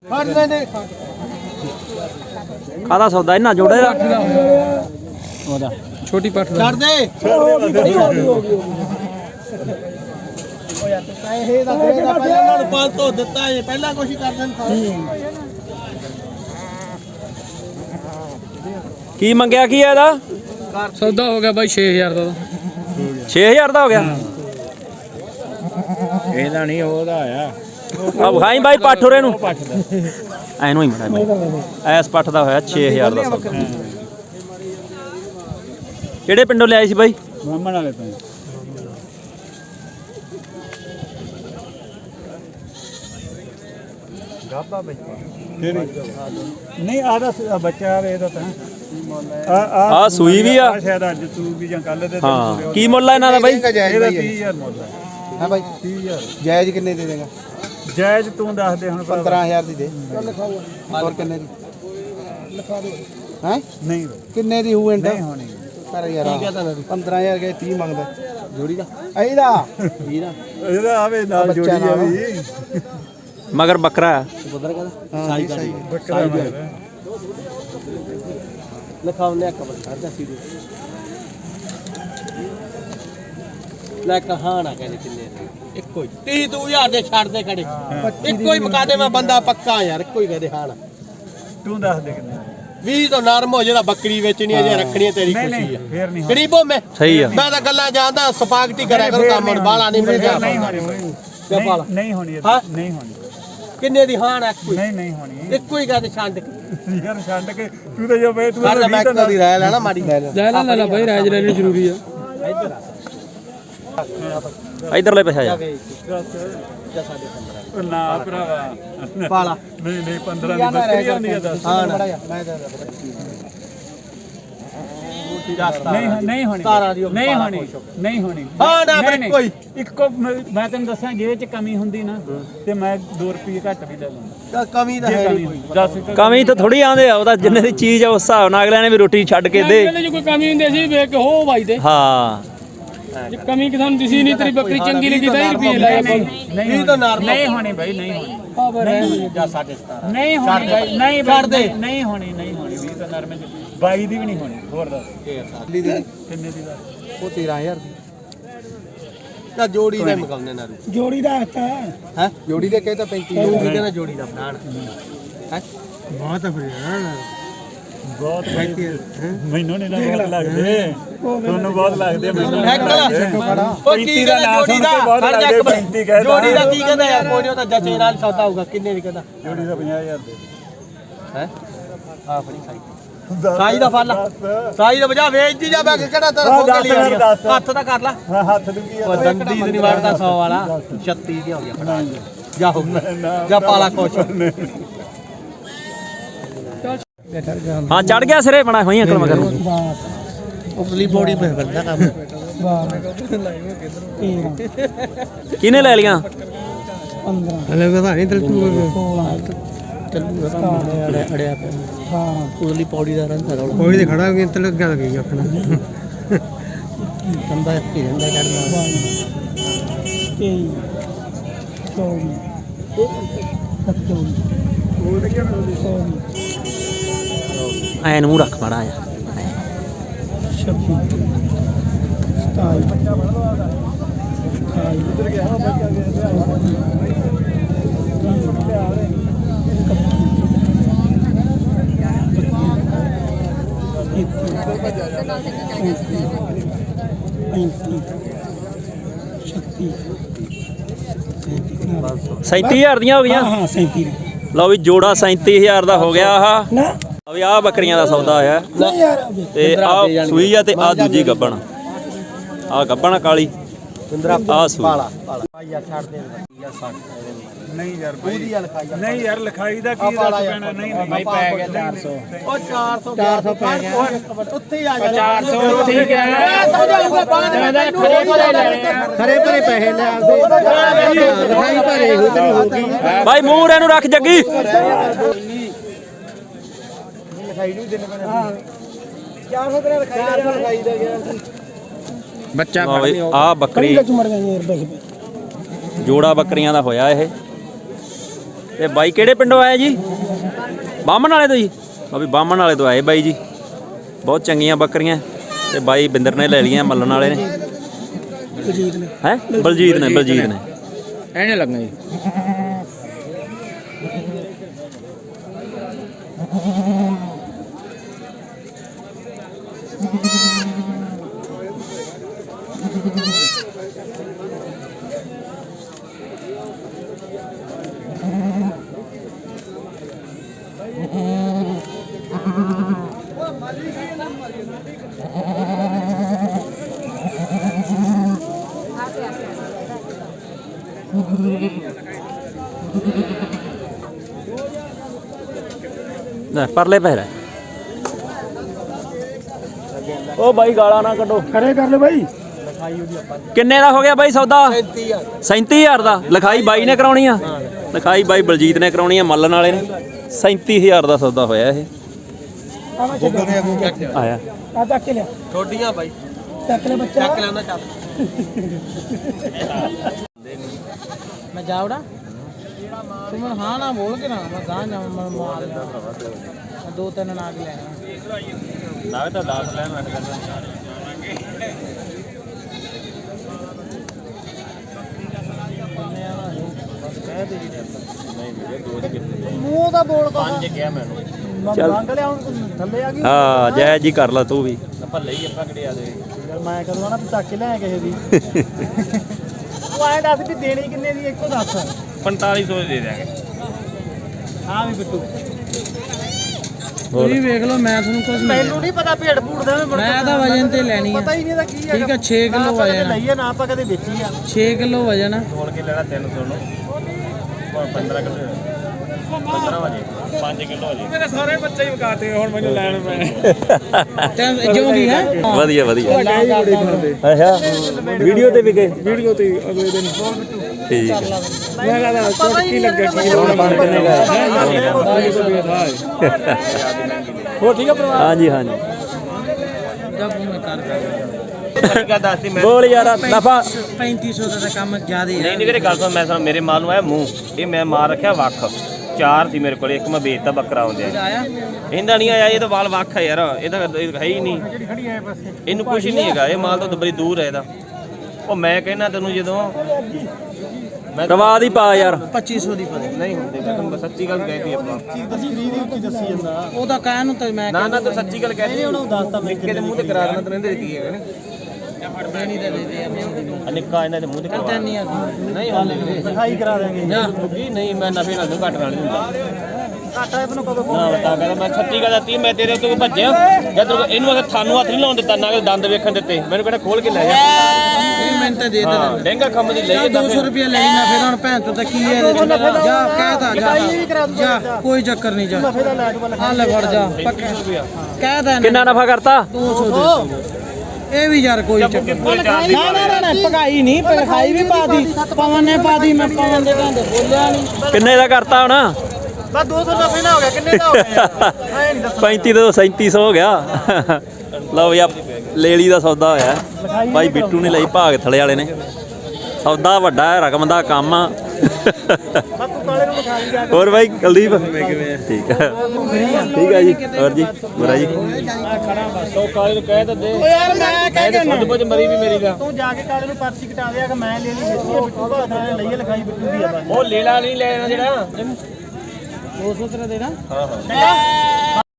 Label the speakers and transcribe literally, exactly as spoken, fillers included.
Speaker 1: ਕਾਹਦਾ ਸੌਦਾ ਇਹਨਾਂ ਜੋੜੇ ਦਾ
Speaker 2: ਛੋਟੀ ਪੱਠ
Speaker 3: ਛੱਡ ਦੇ ਪੈਸੇ ਦਾ ਦੇਗਾ ਪਹਿਲਾਂ ਉਹਨਾਂ ਨੂੰ ਪੰਜ ਸੌ ਦਿੱਤਾ ਇਹ ਪਹਿਲਾਂ ਕੁਛ ਹੀ ਕਰ ਦੇਣ
Speaker 1: ਕੀ ਮੰਗਿਆ ਕੀ ਹੈ ਇਹਦਾ
Speaker 2: ਸੌਦਾ ਹੋ ਗਿਆ ਬਾਈ ਛੇ ਹਜ਼ਾਰ ਦਾ
Speaker 1: ਛੇ ਹਜ਼ਾਰ ਦਾ ਹੋ ਗਿਆ
Speaker 4: ਇਹਦਾ ਨਹੀਂ ਉਹਦਾ ਆਇਆ
Speaker 1: ਆ ਵਿਖਾਈ ਬਾਈ ਪੱਠ ਉਰੇ ਨੂੰ ਐਨੂੰ ਹੀ ਮੜਾ ਐਸ ਪੱਠ ਦਾ ਹੋਇਆ ਛੇ ਹਜ਼ਾਰ ਦਾ ਸੌਦਾ ਕਿਹੜੇ ਪਿੰਡੋਂ ਲਿਆਏ ਸੀ ਬਾਈ
Speaker 4: ਬ੍ਰਾਹਮਣ ਵਾਲੇ ਤੋਂ
Speaker 3: ਗਾਬਾ ਬੱਚਾ
Speaker 4: ਨਹੀਂ ਆਦਾ ਬੱਚਾ ਇਹਦਾ ਤਾਂ ਆ
Speaker 1: ਆ ਸੂਈ ਵੀ ਆ
Speaker 4: ਸ਼ਾਇਦ ਅੱਜ ਸੂਈ ਜਾਂ ਕੱਲ ਦੇ
Speaker 1: ਹਾਂ ਕੀ ਮੁੱਲ ਆ ਇਹਨਾਂ ਦਾ ਬਾਈ
Speaker 4: ਇਹਦਾ ਤੀਹ ਹਜ਼ਾਰ ਮੁੱਲ ਹੈ
Speaker 3: ਹਾਂ ਬਾਈ
Speaker 4: ਤੀਹ ਹਜ਼ਾਰ
Speaker 3: ਜਾਇਜ਼ ਕਿੰਨੇ ਦੇ ਦੇਗਾ
Speaker 4: ਜਾਇਜ਼ ਤੂੰ ਦੱਸ ਦੇ ਹੁਣ
Speaker 3: ਪੰਦਰਾਂ ਹਜ਼ਾਰ ਦੀ ਦੇ ਹੋਰ ਕਿੰਨੇ ਦੀ ਲਿਖਾ ਦੇ ਹੈ
Speaker 4: ਨਹੀਂ
Speaker 3: ਕਿੰਨੇ ਦੀ ਹੋਊ ਇੰਡਾ
Speaker 4: ਨਹੀਂ ਹੋਣੀ
Speaker 3: ਕਰ ਯਾਰ ਪੰਦਰਾਂ ਹਜ਼ਾਰ ਗਏ ਤੀਹ ਮੰਗਦਾ ਜੋੜੀ ਦਾ ਇਹਦਾ ਇਹਦਾ
Speaker 4: ਇਹਦਾ ਆਵੇ ਨਾਲ ਜੋੜੀ ਆ ਵੀ
Speaker 1: ਮਗਰ ਬੱਕਰਾ
Speaker 3: ਬਦਰ ਕਹਿੰਦਾ ਸਾਈ ਸਾਈ
Speaker 4: ਬੱਕਰਾ
Speaker 3: ਲਿਖਾਉਨੇ ਆ ਕਬਰ ਕਰਦਾ ਸੀਧੇ ਲੈ ਕਹਾਂ ਨਾ ਕਹਿੰਦੇ ਕਿੰਨੇ ਇੱਕੋ ਹੀ ਤੀਹ ਤੂੰ ਹਜ਼ਾਰ ਦੇ ਛੱਡ ਦੇ ਖੜੇ ਇੱਕੋ ਹੀ ਮੁਕਾ ਦੇ ਮੈਂ ਬੰਦਾ ਪੱਕਾ ਯਾਰ ਇੱਕੋ ਹੀ ਕਹਦੇ ਹਾਂ ਨਾ
Speaker 4: ਤੂੰ ਦੱਸ ਦੇ ਕਿੰਨੇ
Speaker 3: ਵੀਹ ਤੋਂ ਨਰਮ ਹੋ ਜਿਹੜਾ ਬੱਕਰੀ ਵੇਚਣੀ ਹੈ ਜੇ ਰੱਖਣੀ ਹੈ ਤੇਰੀ ਖੁਸ਼ੀ ਹੈ
Speaker 4: ਫੇਰ ਨਹੀਂ
Speaker 3: ਗਰੀਬੋ ਮੈਂ
Speaker 1: ਸਹੀ ਆ
Speaker 3: ਮੈਂ ਤਾਂ ਗੱਲਾਂ ਜਾਣਦਾ ਸਪਾਗਟੀ ਕਰਿਆ ਕਰੋ ਕੰਮ ਹੁਣ ਬਾਲਾ ਨਹੀਂ ਮਿਲਦਾ
Speaker 4: ਨਹੀਂ ਹੋਣੀ ਨਹੀਂ ਹੋਣੀ ਨਹੀਂ ਹੋਣੀ
Speaker 3: ਕਿੰਨੇ ਦੀ ਹਾਂ ਨਾ ਕੋਈ
Speaker 4: ਨਹੀਂ ਨਹੀਂ ਹੋਣੀ
Speaker 3: ਇੱਕੋ ਹੀ ਕਹਦੇ ਛੱਡ ਕੇ
Speaker 4: ਯਾਰ ਛੱਡ ਕੇ ਤੂੰ ਤਾਂ ਜੋ ਬਈ ਤੂੰ
Speaker 3: ਕਰ ਮੈਂ ਕਦੀ ਰਹਿ ਲੈਣਾ ਮਾੜੀ ਲੈ ਲੈ
Speaker 2: ਲੈ ਲੈ ਲੈ ਲੈ ਬਾਈ ਰਾਜ ਲੈਣੀ ਜ਼ਰੂਰੀ ਆ
Speaker 3: ਇੱਧਰ
Speaker 1: ਇਧਰਲੇ ਪੈਸਾ ਜਾ
Speaker 3: ਜਾ ਸਾਡੇ ਪੰਦਰਾਂ
Speaker 4: ਨਾ ਭਰਾਵਾ
Speaker 3: ਪਾਲਾ
Speaker 4: ਨਹੀਂ ਨਹੀਂ ਪੰਦਰਾਂ ਦੀ ਬੱਕਰੀ ਆਉਂਦੀ ਆ ਦੱਸ
Speaker 3: ਹਾਂ ਮੈਂ ਤਾਂ
Speaker 4: ਨਹੀਂ ਨਹੀਂ ਹੋਣੀ ਨਹੀਂ ਹੋਣੀ ਨਹੀਂ ਹੋਣੀ
Speaker 3: ਹਾਂ ਨਾ ਫਿਰ ਕੋਈ
Speaker 4: ਇੱਕੋ ਮੈਂ ਤੈਨੂੰ ਦੱਸਾਂ ਜੇ ਚ ਕਮੀ ਹੁੰਦੀ ਨਾ ਤੇ ਮੈਂ ਦੋ ਰੁਪਏ ਘੱਟ ਵੀ ਲੈ ਲੈਂਦਾ
Speaker 3: ਕਮੀ ਤਾਂ ਹੈ ਨਹੀਂ ਕੋਈ
Speaker 4: ਦੱਸ
Speaker 1: ਕਮੀ ਤਾਂ ਥੋੜੀ ਆਂਦੇ ਆ ਉਹਦਾ ਜਿੰਨੇ ਦੀ ਚੀਜ਼ ਆ ਉਸ ਹਿਸਾਬ ਨਾਲ ਅਗਲਿਆਂ ਨੇ ਵੀ ਰੋਟੀ ਛੱਡ ਕੇ ਦੇ
Speaker 2: ਜੇ ਕੋਈ ਕਮੀ ਹੁੰਦੀ ਸੀ ਵੇਖ ਕੇ ਹੋ ਬਾਈ ਦੇ
Speaker 1: ਹਾਂ
Speaker 2: ਜੇ ਕਮੀ ਕਿਸਾਨ ਦਿਸੀ ਨਹੀਂ ਤੇਰੀ ਬੱਕਰੀ ਚੰਗੀ ਲੱਗੀ ਤਾਂ ਹੀ ਰੁਪਏ ਲਾਏ
Speaker 3: ਨਹੀਂ ਤਾਂ ਨਾਰਮਲ
Speaker 4: ਨਹੀਂ ਹੋਣੀ ਬਾਈ ਨਹੀਂ ਹੋਣੀ
Speaker 2: ਖਬਰ ਹੈ
Speaker 3: ਜਾਂ ਸਾਡੇ ਸਤਾਰਾਂ
Speaker 4: ਨਹੀਂ ਹੋਣੀ ਬਾਈ ਨਹੀਂ
Speaker 3: ਛੱਡ ਦੇ
Speaker 4: ਨਹੀਂ ਹੋਣੀ ਨਹੀਂ ਹੋਣੀ ਵੀਹ ਤਾਂ ਨਰਮੇ ਬਾਈ ਦੀ ਵੀ ਨਹੀਂ ਹੋਣੀ ਹੋਰ ਦੱਸ
Speaker 3: ਦਿੱਲੀ ਦੀ
Speaker 4: ਕਿੰਨੇ ਦੀ ਦੱਸ
Speaker 3: ਉਹ ਤੇਰਾਂ ਹਜ਼ਾਰ ਦੀ ਤਾਂ ਜੋੜੀ ਦੇ ਮਕਾਉਂਦੇ ਨਾ
Speaker 2: ਜੋੜੀ ਦਾ ਹੱਥ
Speaker 3: ਹੈ ਜੋੜੀ ਦੇ ਕਹੇ ਤਾਂ ਪੈਂਤੀ ਜੋੜੀ ਦੇ ਨਾ ਜੋੜੀ ਦਾ ਬਣਾਣ ਹੈ ਬਹੁਤ ਫਿਰ
Speaker 4: ਬਹੁਤ ਪੈਂਤੀ ਮੈਨੂੰ ਨਹੀਂ ਬਹੁਤ ਲੱਗਦੇ ਤੁਹਾਨੂੰ ਬਹੁਤ ਲੱਗਦੇ ਮੈਨੂੰ
Speaker 3: ਉਹ ਕੀ ਕਹਿੰਦਾ ਜੋੜੀ ਦਾ ਹਰ ਜੱਕ ਜੋੜੀ ਦਾ ਕੀ ਕਹਿੰਦਾ ਯਾਰ ਕੋਈ ਉਹ ਤਾਂ ਜੱਚੇ ਨਾਲ ਸੌਦਾ ਹੋਊਗਾ ਕਿੰਨੇ ਦੀ ਕਹਿੰਦਾ
Speaker 4: ਜੋੜੀ ਦਾ ਪੰਜਾਹ ਹਜ਼ਾਰ ਦੇ
Speaker 3: ਹੈ ਆ ਫੜੀ ਸਾਈ ਸਾਈ ਦਾ ਫਲ ਸਾਈ ਦਾ ਵਜਾ ਵੇਚਦੀ ਜਾ ਮੈਂ ਕਿਹੜਾ ਤੇਰਾ ਹੋ ਗਿਆ ਹੱਥ ਤਾਂ ਕਰ ਲੈ
Speaker 4: ਹੱਥ ਦੀ ਕੀ
Speaker 3: ਉਹ ਦੰਦੀ ਦੀ ਨਹੀਂ ਵੜਦਾ ਸੌ ਵਾਲਾ ਛੱਤੀ ਦੀ ਹੋ ਗਿਆ ਫੜਾ ਜਾ ਹੋ ਜਾ ਪਾਲਾ ਖੁਸ਼
Speaker 1: ਹਾਂ ਚੜ ਗਿਆ ਸਿਰੇ ਬਣਾ ਹੋਈ ਅੰਕਲ ਮਗਰ
Speaker 3: ਉਪਰਲੀ ਬੋਡੀ ਪੇ ਕਰਦਾ ਕੰਮ
Speaker 1: ਕਿਹਨੇ ਲੈ ਲੀਆਂ
Speaker 3: ਹਲੇ ਵਧਾ ਨਹੀਂ ਤਲ ਤੂੰ ਚੱਲੂ ਅੜਿਆ ਅੜਿਆ ਪਿਆ ਹਾਂ ਉਪਰਲੀ ਪੌੜੀ ਦਾ ਰੰਗ ਰੌਲਾ ਪੌੜੀ ਤੇ ਖੜਾ ਹੋ ਗਿਆ ਤਲ ਲੱਗਾ ਲੱਗੀ ਆਖਣਾ ਕੰਦਾ ਕੀ ਰਹਿੰਦਾ ਚੜਨਾ ਤੇਈ ਚੌਵੀ
Speaker 1: ਐ ਨੂੰ ਰੱਖ ਮਾੜਾ ਜਾ
Speaker 2: ਛੱਬੀ ਸਤਾਈ ਅਠਾਈ
Speaker 1: ਸੈਂਤੀ ਹਜ਼ਾਰ ਦੀਆਂ ਹੋ ਗਈਆਂ
Speaker 2: ਹਾਂ ਸੈਂਤੀ
Speaker 1: ਲਓ ਵੀ ਜੋੜਾ ਸੈਂਤੀ ਹਜ਼ਾਰ ਦਾ ਹੋ ਗਿਆ ਆਹ
Speaker 2: ਨਾ
Speaker 1: ਆ ਵੀ ਆਹ ਬੱਕਰੀਆਂ ਦਾ ਸੌਦਾ ਹੋਇਆ ਤੇ ਆਹ ਸੂਈ ਆ ਤੇ ਆਹ ਦੂਜੀ ਗੱਬਣ ਆਹ ਗੱਬਣ ਕਾਲੀ ਆਹ ਸੂਈ
Speaker 3: ਪਾਲਾ ਪਾਲਾ ਯਾਰ ਛੱਡ ਦੇ ਯਾਰ ਛੱਡ
Speaker 4: ਨਹੀਂ ਯਾਰ ਬਾਈ
Speaker 3: ਉਹਦੀ ਲਿਖਾਈ
Speaker 4: ਨਹੀਂ ਯਾਰ ਲਿਖਾਈ ਦਾ ਕੀ ਦੱਸ ਪੈਣਾ ਨਹੀਂ ਨਹੀਂ
Speaker 3: ਪੈ ਗਿਆ ਚਾਰ ਸੌ ਉਹ ਚਾਰ ਸੌ ਚਾਰ ਸੌ ਪੈ ਗਿਆ ਉੱਥੇ ਹੀ ਆ ਜਾ
Speaker 2: ਚਾਰ ਸੌ ਉੱਥੇ ਹੀ ਗਿਆ
Speaker 3: ਸਮਝਾਊਗਾ ਬਾਅਦ ਵਿੱਚ ਖਰੇ ਭਰੇ ਲੈਣੇ ਖਰੇ ਭਰੇ ਪੈਸੇ ਲੈ ਆਉਂਦੇ ਲਿਖਾਈ ਭਰੇ ਹੋ ਤੇਰੀ ਹੋਗੀ
Speaker 1: ਬਾਈ ਮੂੰਹ ਇਹਨੂੰ ਰੱਖ ਜੱਗੀ
Speaker 3: ਲਿਖਾਈ ਨਹੀਂ ਦਿਨ ਬਣਾ ਚਾਰ ਸੌ ਤੇਰਾ ਲਿਖਾਈ ਦਾ ਗਿਆ
Speaker 2: ਬੱਚਾ
Speaker 1: ਆ ਬੱਕਰੀ ਜੋੜਾ ਬੱਕਰੀਆਂ ਦਾ ਹੋਇਆ ਇਹ ਤੇ ਬਾਈ ਕਿਹੜੇ ਪਿੰਡੋਂ ਆਏ ਜੀ? ਬਾਹਮਣ ਵਾਲੇ ਤੋਂ ਜੀ। ਆ ਵੀ ਬਾਹਮਣ ਵਾਲੇ ਤੋਂ ਆਏ ਬਾਈ ਜੀ। ਬਹੁਤ ਚੰਗੀਆਂ ਬੱਕਰੀਆਂ ਤੇ ਬਾਈ ਬਿੰਦਰ ਨੇ ਲੈ ਲਈਆਂ, ਮੱਲਣ ਵਾਲੇ ਨੇ।
Speaker 3: ਬਲਜੀਤ ਨੇ
Speaker 1: ਹੈ ਬਲਜੀਤ ਨੇ ਬਲਜੀਤ ਨੇ
Speaker 2: ਐਨੇ ਲੱਗਣਾ ਜੀ।
Speaker 1: ਲੈ ਪਰਲੇ ਪੈਰ ਉਹ ਬਾਈ ਗਾਲਾਂ ਨਾ ਕੱਢੋ।
Speaker 3: ਖੜੇ ਕਰ ਲੈ ਬਾਈ।
Speaker 1: ਕਿੰਨੇ ਦਾ ਹੋ ਗਿਆ ਬਾਈ ਸੌਦਾ? ਸੈਂਤੀ ਹਜ਼ਾਰ ਦਾ। ਲਿਖਾਈ ਬਾਈ ਨੇ ਕਰਾਉਣੀ ਆ? ਲਿਖਾਈ ਬਾਈ ਬਲਜੀਤ ਨੇ ਕਰਾਉਣੀ ਆ, ਮੱਲਣ ਵਾਲੇ ਨੇ। ਸੈਂਤੀ ਹਜ਼ਾਰ ਦਾ ਸੌਦਾ ਹੋਇਆ ਇਹ। ਆਇਆ
Speaker 3: ਆ ਚੱਕ ਕੇ ਲਿਆ
Speaker 5: ਛੋਟੀਆਂ ਬਾਈ
Speaker 3: ਚੱਕ ਲੈ ਬੱਚਾ
Speaker 5: ਚੱਕ ਲੈਂਦਾ ਚੱਲ ਮੈਂ ਜਾਵੜਾ ਤੂੰ ਮੈਨੂੰ ਹਾਂ ਨਾ ਬੋਲ ਕੇ ਨਾ ਮੈਂ ਗਾਂ ਜਾ ਮੈਂ ਮਾਰ ਮੈਂ ਦੋ ਤਿੰਨ ਨਾਗ ਲੈਣਾ
Speaker 4: ਨਾ ਤਾਂ ਦਸ ਲੈਣ ਲੱਗ ਜਾਂਦਾ।
Speaker 5: ਮੂੰਹ ਦਾ ਬੋਲ ਕੋ
Speaker 4: ਪੰਜ ਗਿਆ ਮੈਨੂੰ।
Speaker 1: ਚੱਲ
Speaker 5: ਮੰਗ ਲਿਆ ਹੁਣ ਥੱਲੇ ਆ ਗਈ
Speaker 1: ਹਾਂ ਜੈ ਜੀ ਕਰ ਲਾ ਤੂੰ ਵੀ।
Speaker 4: ਭੱਲੇ ਹੀ ਆਪਾਂ ਕਿਹੜੇ ਆ ਦੇ
Speaker 5: ਯਾਰ ਮੈਂ ਕਰੂੰਗਾ ਨਾ ਤੂੰ ਚੱਕ ਕੇ ਲੈ ਕਿਸੇ ਦੀ ਤੂੰ ਐਂ ਦੱਸ ਵੀ ਦੇਣੀ ਕਿੰਨੇ ਦੀ ਇੱਕੋ ਦੱਸ
Speaker 4: ਪੰਤਾਲੀ ਸੌ ਦੇ ਦਿਆਂਗੇ।
Speaker 5: ਹਾਂ ਵੀ ਬਿੱਟੂ
Speaker 1: ਹੋਰ
Speaker 5: ਤੁਸੀਂ ਵੇਖ ਲਓ ਮੈਂ ਤੁਹਾਨੂੰ ਕੁਝ ਮੈਨੂੰ ਨਹੀਂ ਪਤਾ ਭੇਡ ਭੂੜ ਦਾ ਮੈਂ ਤਾਂ ਵਜਨ ਤੇ ਲੈਣੀ ਆ ਪਤਾ ਹੀ ਨਹੀਂ ਇਹਦਾ ਕੀ ਹੈ। ਠੀਕ ਆ ਛੇ ਕਿਲੋ ਵਜਨ ਲਈਏ ਨਾ ਆਪਾਂ ਕਦੇ ਵੇਚੀ ਆ ਛੇ ਕਿਲੋ ਵਜਨ ਆ
Speaker 4: ਤੋਲ ਕੇ ਲੈਣਾ ਤਿੰਨ ਸੌ ਨੂੰ ਪੰਦਰਾਂ ਕਿਲੋ ਪੰਦਰਾਂ ਵਜੇ ਪੰਜ ਕਿਲੋ ਹੋ ਜੇ।
Speaker 2: ਮੇਰੇ ਸਾਰੇ ਬੱਚੇ ਹੀ ਵਕਾਤੇ ਹੁਣ ਮੈਨੂੰ ਲੈਣ ਪੈਣੇ।
Speaker 5: ਤੇ ਜੋ ਵੀ ਹੈ
Speaker 1: ਵਧੀਆ ਵਧੀਆ। ਅੱਛਾ ਵੀਡੀਓ ਤੇ ਵੀ ਗਏ?
Speaker 2: ਵੀਡੀਓ ਤੇ ਅਗਲੇ ਦਿਨ
Speaker 1: ਠੀਕ ਹੈ।
Speaker 2: ਮੈਂ ਕਹਦਾ ਚੋਟ ਕੀ ਲੱਗਾ ਕੀ
Speaker 1: ਹੁਣ ਬਣ ਕਿੰਨੇ ਗਏ?
Speaker 2: ਹੋ ਠੀਕ ਹੈ ਪਰਿਵਾਰ?
Speaker 1: ਹਾਂਜੀ ਹਾਂਜੀ
Speaker 5: ਜਬ ਮੈਂ ਕਰ
Speaker 4: ਕਿਆ ਦੱਸਦੀ ਮੈਂ
Speaker 1: ਬੋਲ ਯਾਰ ਨਫਾ।
Speaker 5: ਪੈਂਤੀ ਸੌ ਦਾ ਤਾਂ ਕੰਮ ਜ਼ਿਆਦਾ
Speaker 4: ਨਹੀਂ ਨਹੀਂ ਵੀਰੇ ਗੱਲ ਸੁਣ ਮੈਂ ਸੁਣ ਮੇਰੇ ਮਾਲ ਨੂੰ ਆਇਆ ਮੂੰਹ ਇਹ ਮੈਂ ਮਾਰ ਰੱਖਿਆ ਵੱਖ ਚਾਰ ਸੀ ਮੇਰੇ ਕੋਲ ਇੱਕ ਮੈਂ ਵੇਚਤਾ ਬੱਕਰਾ ਆਉਂਦੇ
Speaker 5: ਆਇਆ
Speaker 4: ਇਹਦਾ ਨਹੀਂ ਆਇਆ ਇਹ ਤਾਂ ਵਾਲ ਵੱਖ ਹੈ ਯਾਰ ਇਹਦਾ ਇਹ ਹੈ ਹੀ ਨਹੀਂ ਇਹਨੂੰ ਕੁਝ ਨਹੀਂ ਹੈਗਾ ਇਹ ਮਾਲ ਤੋਂ ਬੜੀ ਦੂਰ ਹੈ ਇਹਦਾ ਉਹ ਮੈਂ ਕਹਿਣਾ ਤੈਨੂੰ ਜਦੋਂ ਮੈਂ
Speaker 1: ਰਵਾ ਦੀ ਪਾ ਯਾਰ।
Speaker 5: ਪੱਚੀ ਸੌ ਦੀ ਪਤਾ
Speaker 4: ਨਹੀਂ ਹੁੰਦੇ ਮੈਂ ਤੈਨੂੰ ਸੱਚੀ ਗੱਲ ਕਹਿਤੀ ਆਪਾਂ
Speaker 5: ਦੱਸੀ ਜਾਂਦਾ ਉਹ ਤਾਂ ਕਹਿਣ ਨੂੰ ਤਾਂ ਮੈਂ
Speaker 4: ਨਾ ਨਾ ਤੂੰ ਸੱਚੀ ਗੱਲ ਕਹਿਤੀ ਉਹਨੂੰ ਦੱਸਤਾ ਨਿੱਕੇ ਦੇ ਮੂੰਹ ਤੇ ਕਰਾ ਦੇਣਾ ਤੈਨੂੰ ਇਹਦੇ ਕੀ ਹੈਗਾ
Speaker 5: ਦੇਣੀ ਤਾਂ ਦੇ ਦੇ
Speaker 4: ਆ ਨਿੱਕਾ ਇਹਨਾਂ ਦੇ ਮੂੰਹ ਤੇ ਕਰਵਾ
Speaker 5: ਨਹੀਂ ਆ
Speaker 4: ਨਹੀਂ ਹਾਲੇ ਵੀਰੇ
Speaker 5: ਲਿਖਾਈ ਕਰਾ ਦੇਾਂਗੇ
Speaker 4: ਨਾ ਕੀ ਨਹੀਂ ਮੈਂ ਨਫੇ ਨਾਲ ਘੱਟ ਨਾਲ ਨਹੀਂ ਹੁੰਦਾ
Speaker 5: ਘਾਟਾ ਇਹਨੂੰ ਕਦੋਂ
Speaker 4: ਨਾ ਬਤਾ ਕਹਿੰਦਾ ਮੈਂ ਛੱਤੀ ਗੱਲ ਦਿੱਤੀ ਮੈਂ ਤੇਰੇ ਉੱਤੇ ਭੱਜਿਆ ਜਦ ਇਹਨੂੰ ਅਗਰ ਥਾਨੂੰ ਹੱਥ ਨਹੀਂ ਲਾਉਣ ਦਿੱਤਾ ਨਾ ਕਿ ਦੰਦ ਵੇਖਣ ਦਿੱਤੇ ਮੈਨੂੰ ਕਹਿੰਦਾ ਖੋਲ ਕੇ ਲੈ ਜਾ
Speaker 5: ਮਿੰਟ ਤੇ ਦੇ
Speaker 4: ਹਾਂ ਲਹਿੰਗਾ ਖੰਮ ਦੀ ਲਈ
Speaker 5: ਦੋ ਸੌ ਰੁਪਏ ਲੈਣੀ ਨਾ ਫਿਰ ਹੁਣ ਭੈਣ ਤੋਂ ਤਾਂ ਕੀ ਹੈ ਇਹਦੇ ਚ ਜਾ ਕਹਿਤਾ ਜਾ ਜਾ ਕੋਈ ਚੱਕਰ ਨਹੀਂ ਜਾ ਆ ਲੈ ਫੜ ਜਾ ਕਹਿਤਾ
Speaker 1: ਕਿੰਨਾ ਨਫਾ ਕਰਤਾ?
Speaker 5: ਦੋ ਸੌ ਦੇ ਇਹ ਵੀ ਯਾਰ ਕੋਈ ਚੱਕਰ ਨਾ ਨਾ ਨਾ ਪਕਾਈ ਨਹੀਂ ਪਕਾਈ ਵੀ ਪਾਦੀ ਪਵਨ ਨੇ ਪਾਦੀ ਮੈਂ ਪਵਨ ਦੇ ਘੰਦੇ ਬੋਲਿਆ ਨਹੀਂ
Speaker 1: ਕਿੰਨੇ ਦਾ ਕਰਤਾ ਹੁਣ?
Speaker 5: ਬਸ ਦੋ ਸੌ ਨਫੇ ਨਾ ਹੋ ਗਿਆ ਕਿੰਨੇ ਦਾ ਹੋ ਗਿਆ ਐ ਨਹੀਂ ਦੱਸ
Speaker 1: ਪੈਂਤੀ ਤੋਂ ਸੈਂਤੀ ਸੌ ਹੋ ਗਿਆ। ਲਓ ਯਾ ਲੇਲੀ ਦਾ ਸੌਦਾ ਹੋਇਆ ਭਾਈ ਬਿੱਟੂ ਨੇ ਲਈ ਭਾਗ ਥਲੇ ਵਾਲੇ ਨੇ। ਸੌਦਾ ਵੱਡਾ ਹੈ, ਰਕਮ ਦਾ ਕੰਮ ਆ। ਹੋਰ ਭਾਈ ਕੁਲਦੀਪ ਠੀਕ ਹੈ ਠੀਕ ਹੈ ਜੀ। ਹੋਰ ਜੀ ਬੁਰਾ ਜੀ
Speaker 4: ਸੌ ਕਾਲੇ ਨੂੰ ਕਹਿ ਤਾਂ ਦੇ
Speaker 5: ਓ ਯਾਰ ਮੈਂ ਕਹਿ ਕੇ
Speaker 4: ਖੁਦ ਪੁੱਜ ਮਰੀ ਵੀ ਮੇਰੀ ਦਾ
Speaker 5: ਤੂੰ ਜਾ ਕੇ ਕਾਲੇ ਨੂੰ ਪਰਚੀ ਕਟਾ ਦਿਆ ਕਿ ਮੈਂ ਲੈ ਲਈ ਦਿੱਤੀ ਹੈ ਬਿੱਟੂ ਬਾਦ ਨੇ ਲਈਏ ਲਿਖਾਈ ਬਿੱਟੂ ਦੀ ਆ ਬਸ
Speaker 4: ਉਹ ਲੇਲਾ ਨਹੀਂ ਲੈਣਾ ਜਿਹੜਾ
Speaker 5: ਦੋ ਸੌ ਤੇਰਾ ਦੇਣਾ
Speaker 4: ਹਾਂ ਹਾਂ